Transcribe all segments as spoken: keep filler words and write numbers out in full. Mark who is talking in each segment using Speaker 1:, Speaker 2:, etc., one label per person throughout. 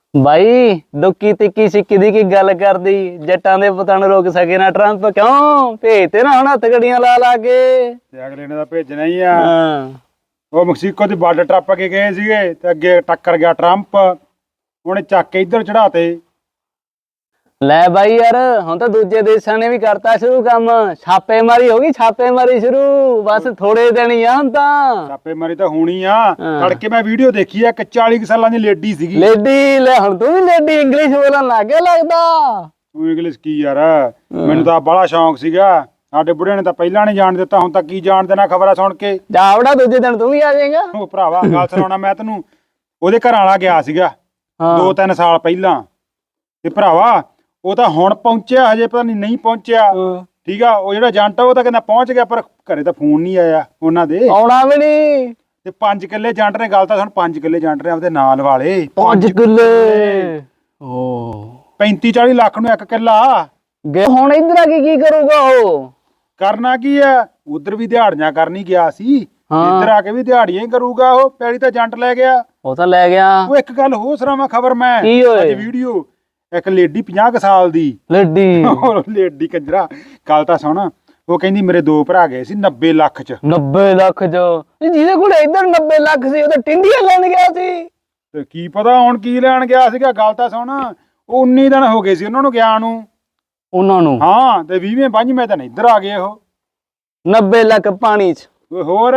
Speaker 1: ਬਾਈ ਦੁੱਕੀ ਤਿੱਕੀ ਸਿੱਕੀ ਦੀ ਕੀ ਗੱਲ ਕਰਦੀ ਜੱਟਾਂ ਦੇ ਪੁੱਤਾਂ ਨੂੰ ਰੋਕ ਸਕੇ ਨਾ ਟਰੰਪ ਕਿਉਂ ਭੇਜਤੇ ਨਾ ਹੁਣ ਹੱਥ ਗੜੀਆਂ ਲਾ ਲਾ ਕੇ
Speaker 2: ਤੇ ਅਗਲੇ ਨੇ ਤਾਂ ਭੇਜਣਾ ਹੀ ਆ।
Speaker 1: ਹਾਂ
Speaker 2: ਉਹ ਮੈਕਸੀਕੋ ਦੀ ਬਾਰਡਰ ਟੱਪ ਕੇ ਗਏ ਸੀਗੇ ਤੇ ਅੱਗੇ ਟੱਕਰ ਗਿਆ ਟਰੰਪ, ਉਹਨੇ ਚੱਕ ਕੇ ਇੱਧਰ ਚੜਾਤੇ।
Speaker 1: ਲੈ ਬਾਈ ਯਾਰ ਹੁਣ ਤਾਂ ਦੂਜੇ ਦੇਸ਼ਾਂ ਨੇ ਵੀ ਕਰਤਾ ਸ਼ੁਰੂ ਕੰਮ, ਛਾਪੇਮਾਰੀ ਹੋ ਗਈ ਛਾਪੇਮਾਰੀ ਸ਼ੁਰੂ, ਬਸ ਥੋੜੇ ਦਿਨ ਹੀ ਆ ਹੁਣ ਤਾਂ।
Speaker 2: ਛਾਪੇਮਾਰੀ ਤਾਂ ਹੋਣੀ ਆ।
Speaker 1: ਹਾਂ।
Speaker 2: ਤੜਕੇ ਮੈਂ ਵੀਡੀਓ ਦੇਖੀ ਆ, ਇੱਕ ਚਾਲੀ ਕੁ ਸਾਲਾਂ ਦੀ ਲੇਡੀ ਸੀਗੀ।
Speaker 1: ਲੇਡੀ ਲੈ ਹੁਣ ਤੂੰ ਵੀ ਲੇਡੀ ਇੰਗਲਿਸ਼ ਬੋਲਣ ਲੱਗ ਗਿਆ ਲੱਗਦਾ।
Speaker 2: ਤੂੰ ਇੰਗਲਿਸ਼ ਕੀ ਯਾਰ, ਮੈਨੂੰ ਤਾਂ ਬੜਾ ਸ਼ੌਂਕ ਸੀਗਾ। ਸਾਡੇ ਬੁੜੇ ਨੇ ਤਾਂ ਪਹਿਲਾਂ ਨਹੀਂ ਜਾਣ ਦਿੱਤਾ, ਹੁਣ ਤਾਂ ਕੀ ਜਾਣ ਦੇਣਾ ਖਬਰਾਂ ਸੁਣ ਕੇ।
Speaker 1: ਜਾਵੜਾ ਦੂਜੇ ਦਿਨ ਤੂੰ ਵੀ ਆ ਜਾਏਗਾ।
Speaker 2: ਉਹ ਭਰਾਵਾ ਗੱਲ ਸੁਣਾਉਣਾ ਮੈਂ ਤੈਨੂੰ, ਉਹਦੇ ਘਰ ਵਾਲਾ ਗਿਆ ਸੀਗਾ ਦੋ ਤਿੰਨ ਸਾਲ ਪਹਿਲਾਂ, ਤੇ ਭਰਾਵਾ ਉਹ ਤਾਂ ਹੁਣ ਪਹੁੰਚਿਆ, ਹਜੇ ਪਤਾ ਨਹੀਂ ਨਹੀਂ ਪਹੁੰਚਿਆ। ਠੀਕ ਆ, ਉਹ ਜਿਹੜਾ ਏਜੰਟ ਆ ਉਹ ਤਾਂ ਕਹਿੰਦਾ ਪਹੁੰਚ ਗਿਆ, ਪਰ ਘਰੇ ਤਾਂ ਫੋਨ ਨਹੀਂ ਆਇਆ ਉਹਨਾਂ ਦੇ,
Speaker 1: ਆਉਣਾ ਵੀ ਨਹੀਂ।
Speaker 2: ਤੇ ਪੰਜ ਕਿੱਲੇ ਏਜੰਟ ਨੇ, ਗੱਲ ਤਾਂ ਸਾਨੂੰ ਪੰਜ ਕਿੱਲੇ ਏਜੰਟ ਨੇ ਆਪਦੇ ਨਾਲ ਵਾਲੇ,
Speaker 1: ਪੰਜ ਕਿੱਲੇ ਓ
Speaker 2: ਪੈਂਤੀ ਚਾਲੀ ਲੱਖ ਨੂੰ ਇੱਕ ਕਿੱਲਾ।
Speaker 1: ਗੇ ਹੁਣ ਇਧਰ ਆ ਕੇ ਕੀ ਕਰੂਗਾ ਉਹ?
Speaker 2: ਕਰਨਾ ਕੀ ਆ, ਉਧਰ ਵੀ ਦਿਹਾੜੀਆਂ ਕਰਨੀ ਗਿਆ ਸੀ, ਇੱਧਰ ਆ ਕੇ ਵੀ ਦਿਹਾੜੀਆਂ ਹੀ ਕਰੂਗਾ। ਉਹ ਪੈਲੀ ਤਾਂ ਏਜੰਟ ਲੈ ਗਿਆ,
Speaker 1: ਉਹ ਤਾਂ ਲੈ ਗਿਆ।
Speaker 2: ਉਹ ਇੱਕ ਗੱਲ ਹੋਰ ਸੁਣਾਵਾਂ ਖਬਰ ਮੈਂ
Speaker 1: ਕੀ ਹੋਏ?
Speaker 2: ਅੱਜ ਵੀਡੀਓ, ਇੱਕ ਲੇਡੀ ਪੰਜਾਹ ਕੁ ਸਾਲ ਦੀ,
Speaker 1: ਲੇਡੀ
Speaker 2: ਲੇਡੀ ਕੰਜਰਾ, ਗੱਲ ਤਾਂ ਸੁਣ। ਉਹ ਕਹਿੰਦੀ ਮੇਰੇ ਦੋ ਭਰਾ ਗਏ ਸੀ ਨੱਬੇ ਲੱਖ ਚ।
Speaker 1: ਨੱਬੇ ਲੱਖ ਚ? ਜਿਹਦੇ ਕੋਲ ਇੱਧਰ ਨੱਬੇ ਲੱਖ ਸੀ ਉਹ ਤਾਂ ਟਿੰਡੀਆਂ ਲੈਣ ਗਿਆ ਸੀ।
Speaker 2: ਤੇ ਕੀ ਪਤਾ ਹੁਣ ਕੀ ਲੈਣ ਗਿਆ ਸੀਗਾ, ਗੱਲ ਤਾਂ ਸੁਣ। ਉਹ ਉੱਨੀ ਦਿਨ ਹੋ ਗਏ ਸੀ ਉਹਨਾਂ ਨੂੰ ਗਿਆ ਨੂੰ,
Speaker 1: ਉਹਨਾਂ ਨੂੰ।
Speaker 2: ਹਾਂ, ਤੇ ਵੀਹਵੇਂ ਪੰਜਵੇਂ ਦਿਨ ਇੱਧਰ ਆ ਗਏ ਉਹ।
Speaker 1: ਨੱਬੇ ਲੱਖ ਪਾਣੀ ਚ?
Speaker 2: ਹੋਰ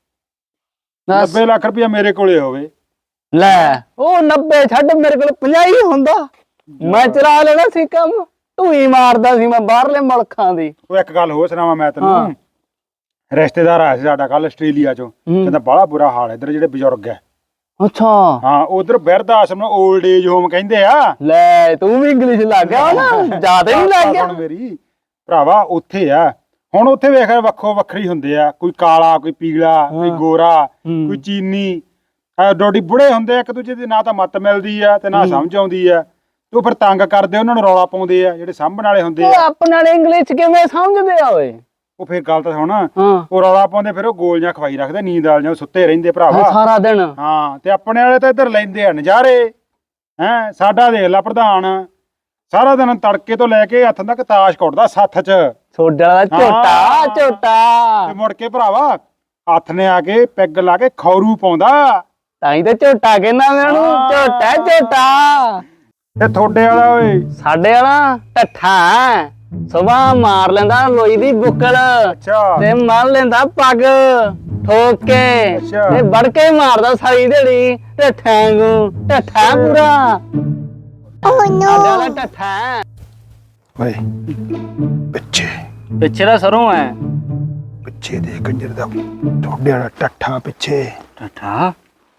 Speaker 2: ਨੱਬੇ ਲੱਖ ਰੁਪਇਆ ਮੇਰੇ ਕੋਲੇ ਹੋਵੇ।
Speaker 1: ਲੈ ਉਹ ਨੱਬੇ ਛੱਡ, ਮੇਰੇ ਕੋਲ ਪੰਜਾਹ ਹੀ ਹੁੰਦਾ, ਮੈਂ ਚਲਾ ਲੈਣਾ ਸੀ ਕੰਮ। ਤੂੰ ਹੀ ਮਾਰਦਾ ਸੀ ਮੈਂ ਬਾਹਰਲੇ ਮੁਲਕਾਂ ਦੀ।
Speaker 2: ਉਹ ਇੱਕ ਗੱਲ ਹੋਰ ਸੁਣਾਵਾਂ ਮੈਂ ਤੈਨੂੰ, ਰਿਸ਼ਤੇਦਾਰ ਆਇਆ ਸੀ ਸਾਡਾ ਕੱਲ ਆਸਟ੍ਰੇਲੀਆ ਚੋਂ, ਕਹਿੰਦਾ ਬੜਾ ਬੁਰਾ ਹਾਲ ਇੱਧਰ ਜਿਹੜੇ ਬਜ਼ੁਰਗ ਹੈ।
Speaker 1: ਅੱਛਾ
Speaker 2: ਹਾਂ, ਉਧਰ ਬਿਰਧ ਆਸ਼ਰਮ, ਓਲਡ ਏਜ ਹੋਮ ਕਹਿੰਦੇ ਆ।
Speaker 1: ਲੈ ਤੂੰ ਵੀ ਇੰਗਲਿਸ਼ ਲੱਗ ਗਿਆ ਨਾ, ਜ਼ਿਆਦਾ ਹੀ ਲੱਗ ਗਿਆ।
Speaker 2: ਹੁਣ ਮੇਰੀ ਭਰਾਵਾ ਉੱਥੇ ਆ, ਹੁਣ ਉੱਥੇ ਵੇਖ ਵੱਖੋ ਵੱਖਰੀ ਹੁੰਦੇ ਆ, ਕੋਈ ਕਾਲਾ, ਕੋਈ ਪੀਲਾ, ਕੋਈ ਗੋਰਾ, ਕੋਈ ਚੀਨੀ, ਡੋਡੀ ਬੁੜੇ ਹੁੰਦੇ ਆ ਇੱਕ ਦੂਜੇ ਦੀ, ਨਾ ਤਾਂ ਮੱਤ ਮਿਲਦੀ ਆ ਤੇ ਨਾ ਸਮਝ ਆਉਂਦੀ ਆ। ਉਹ ਫਿਰ ਤੰਗ ਕਰਦੇ, ਉਹਨਾਂ ਨੂੰ ਰੌਲਾ ਪਾਉਂਦੇ ਆ ਜਿਹੜੇ ਸਾਂਭਣ ਵਾਲੇ ਹੁੰਦੇ ਆ।
Speaker 1: ਆਪਣੇ ਨਾਲ ਇੰਗਲਿਸ਼ ਕਿਵੇਂ ਸਮਝਦੇ ਆ ਓਏ?
Speaker 2: ਉਹ ਫਿਰ ਗੱਲ ਤਾਂ ਸੁਣ, ਉਹ ਰੌਲਾ ਪਾਉਂਦੇ, ਫਿਰ ਉਹ ਗੋਲੀਆਂ ਖਵਾਈ ਰੱਖਦੇ, ਨੀਂਦ ਵਾਲੀਆਂ, ਸੁੱਤੇ ਰਹਿੰਦੇ ਭਰਾਵਾ
Speaker 1: ਸਾਰਾ ਦਿਨ।
Speaker 2: ਹਾਂ, ਤੇ ਆਪਣੇ ਵਾਲੇ ਤਾਂ ਇੱਧਰ ਲੈਂਦੇ ਆ ਨਜ਼ਾਰੇ। ਹੈਂ, ਸਾਡਾ ਦੇਖ ਲਾ ਪ੍ਰਧਾਨ, ਸਾਰਾ ਦਿਨ ਤੜਕੇ ਤੋਂ ਲੈ ਕੇ ਹੱਥਾਂ ਤੱਕ ਤਾਸ਼ ਕੁੱਟਦਾ ਸੱਥ ਚ,
Speaker 1: ਛੋਡਾ ਦਾ ਝੋਟਾ ਝੋਟਾ।
Speaker 2: ਤੇ ਮੁੜ ਕੇ ਭਰਾਵਾ ਹੱਥ ਨੇ ਆ ਕੇ ਪੈਗ ਲਾ ਕੇ ਖੌਰੂ ਪਾਉਂਦਾ,
Speaker 1: ਤਾਂ ਹੀ ਤੇ ਝੋਟਾ ਕਹਿੰਦਾ ਮੈਂ ਉਹਨੂੰ, ਝੋਟਾ ਝੋਟਾ।
Speaker 2: ਤੇ ਥੋੜੇ ਵਾਲਾ ਓਏ,
Speaker 1: ਸਾਡੇ ਵਾਲਾ ਢੱਠਾ, ਸੁਬਾਹ ਮਾਰ ਲੈਂਦਾ ਲੋਈ ਦੀ ਬੁੱਕਲ,
Speaker 2: ਅੱਛਾ,
Speaker 1: ਤੇ ਮੰਨ ਲੈਂਦਾ ਪੱਗ ਠੋਕ ਕੇ,
Speaker 2: ਅੱਛਾ।
Speaker 1: ਤੇ ਵੜ ਕੇ ਮਾਰਦਾ ਸਾਰੀ ਦਿਹਾੜੀ ਢੱਠਾਂ ਨੂੰ, ਢੱਠਾ ਪੂਰਾ। ਓ ਨੋ ਸਾਡੇ ਵਾਲਾ ਢੱਠਾ।
Speaker 2: ਓਏ ਪਿੱਛੇ
Speaker 1: ਪਿੱਛੇ ਦਾ ਸਰੋਂ ਹੈ,
Speaker 2: ਪਿੱਛੇ ਦੇ ਕੰਜਰ ਦਾ ਥੋੜੇ ਵਾਲਾ ਟੱਠਾ ਪਿੱਛੇ।
Speaker 1: ਢੱਠਾ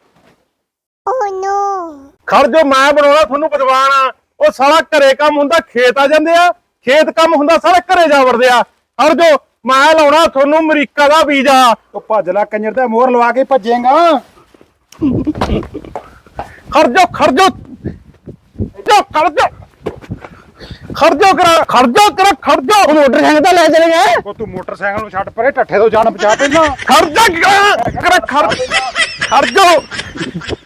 Speaker 3: ਓ ਨੋ
Speaker 4: ਖੜ ਜੋ, ਮੈਂ ਬਣਾਉਣਾ ਤੁਹਾਨੂੰ ਪਕਵਾਨ ਆ। ਉਹ ਸਾਰਾ ਘਰੇ ਕੰਮ ਹੁੰਦਾ, ਖੇਤ ਆ ਜਾਂਦੇ ਆ, ਖੇਤ ਕੰਮ ਹੁੰਦਾ ਸਾਰਾ ਘਰੇ ਜਾ ਵੜਦੇ ਆ। ਖੜ ਜੋ, ਮੈਂ ਲਾਉਣਾ ਤੁਹਾਨੂੰ ਅਮਰੀਕਾ ਦਾ ਵੀਜ਼ਾ।
Speaker 2: ਉਹ ਭੱਜ ਲੈ ਕੰਜਰ ਦਾ, ਮੋਹਰ ਲਵਾ ਕੇ ਭੱਜੇਗਾ।
Speaker 4: ਖੜ ਜੋ ਖੜ ਜੋ ਜੋ ਖੜ ਜੋ ਖੜ ਜੋ ਕਰਾ ਖੜ ਜੋ ਕਰਾ ਖੜ ਜੋ।
Speaker 1: ਮੋਟਰਸਾਈਕਲ ਤਾਂ ਲੈ ਚਲੇ ਗਏ।
Speaker 2: ਉਹ ਤੂੰ ਮੋਟਰਸਾਈਕਲ ਨੂੰ ਛੱਡ ਪਰੇ, ਟੱਠੇ ਤੋਂ ਜਾਨ ਬਚਾ ਪਹਿਲਾਂ।
Speaker 4: ਖੜ ਜਾ ਕਰਾ ਖੜ ਖੜ ਜੋ।